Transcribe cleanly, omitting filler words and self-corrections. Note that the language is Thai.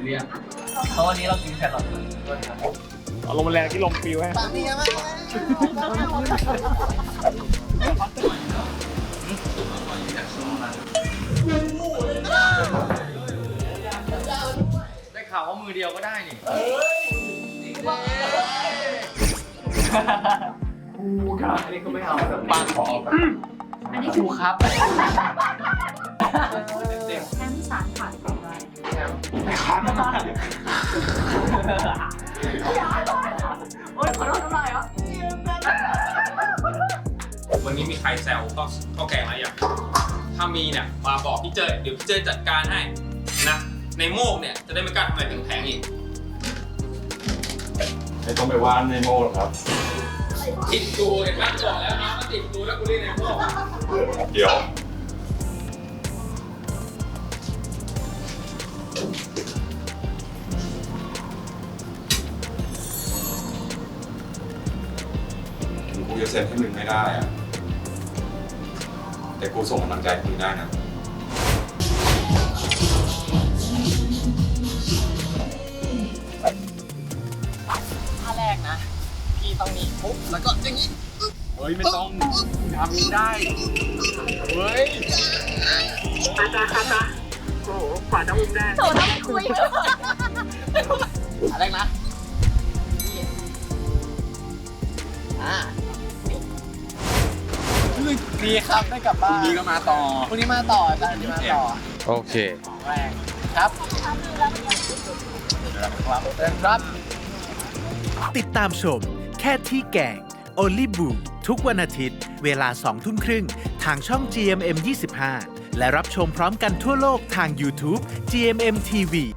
เรียกเพราะวันนี้เรากินแครอทด้วยครับเอาลมแรงที่ลมฟิวฮะปากดีมากได้ข่าวว่ามือเดียวก็ได้นี่กูครับอันนี้ก็ไม่เอาแบบปากขออันนี้กูครับเต็มแค่สารผ่านของเรา โอ๊ยขอโทษน้ำลายเหรอวันนี้มีใครแซวก็แกงอะไรอย่างถ้ามีเนี่ยมาบอกพี่เจยเดี๋ยวพี่เจยจัดการให้นะ ในโมกเนี่ยจะได้ไม่กล้าทำอะไรแพงๆอีกไม่ต้องไปว่านในโม่หรอกครับติดดูเห็นไหมบอกแล้วนะมันติดดูแล้วกูเรียกในโมกเดี๋ยวถึงกูจะเซ็นให้มึงไม่ได้อะแต่กูส่งกำลังใจให้มึงได้นะท่าแรกนะ พี่ต้องมีปุ๊บแล้วก็อย่างนี้เฮ้ย ไม่ต้องทำนี้ได้ เฮ้ยโถต้องไปคุยท่าแรกนะดีครับได้กลับบ้านพรุ่งนี้ก็มาต่อพรุ่งนี้มาต่ออาจารย์นี้มาต่อโอเคแรงครับครับติดตามชมแค่ที่แกง Only Boo ทุกวันอาทิตย์ เวลา 20:30 น. ทางช่อง GMM 25 และรับชมพร้อมกันทั่วโลกทาง YouTube GMM TV